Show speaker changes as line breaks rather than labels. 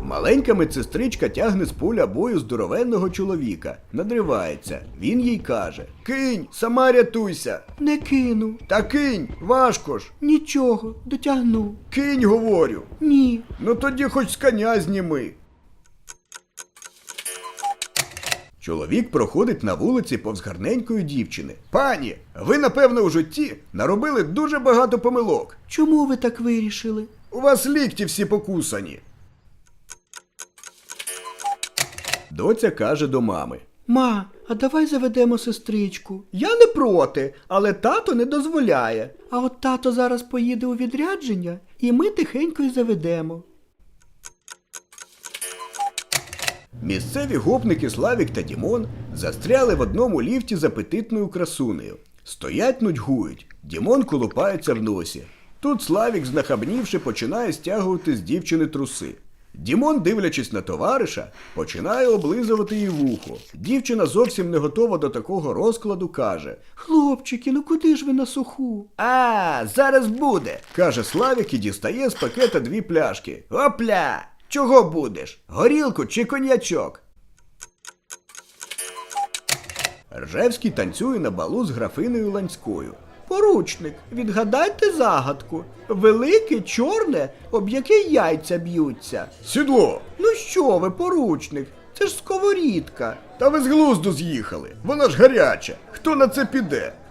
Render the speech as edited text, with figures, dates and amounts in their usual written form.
Маленька медсестричка тягне з поля бою здоровенного чоловіка. Надривається. Він їй каже: «Кинь, сама рятуйся!»
Не кину.
«Та кинь, важко ж!»
Нічого, дотягну.
«Кинь, говорю!»
Ні.
«Ну тоді хоч з коня зніми!» Чоловік проходить на вулиці повз гарненької дівчини. «Пані, ви, напевно, у житті наробили дуже багато помилок.
Чому ви так вирішили?
У вас лікті всі покусані!» Доця каже до мами:
Ма, а давай заведемо сестричку.
«Я не проти, але тато не дозволяє».
А от тато зараз поїде у відрядження, і ми тихенько й заведемо.
Місцеві гопники Славік та Дімон застряли в одному ліфті з апетитною красунею. Стоять, нудьгують. Дімон колупається в носі. Тут Славік, знахабнівши, починає стягувати з дівчини труси. Дімон, дивлячись на товариша, починає облизувати їй вухо. Дівчина зовсім не готова до такого розкладу, каже:
Хлопчики, ну куди ж ви на суху?
«А, зараз буде», – каже Славік і дістає з пакета 2 пляшки. «Опля! Чого будеш? Горілку чи коньячок?» Ржевський танцює на балу з графинею Ланською.
Поручник, відгадайте загадку. Велике, чорне, об яке яйця б'ються.
«Сідло!»
Ну що ви, поручник, це ж сковорідка.
«Та ви з глузду з'їхали! Вона ж гаряча! Хто на це піде?»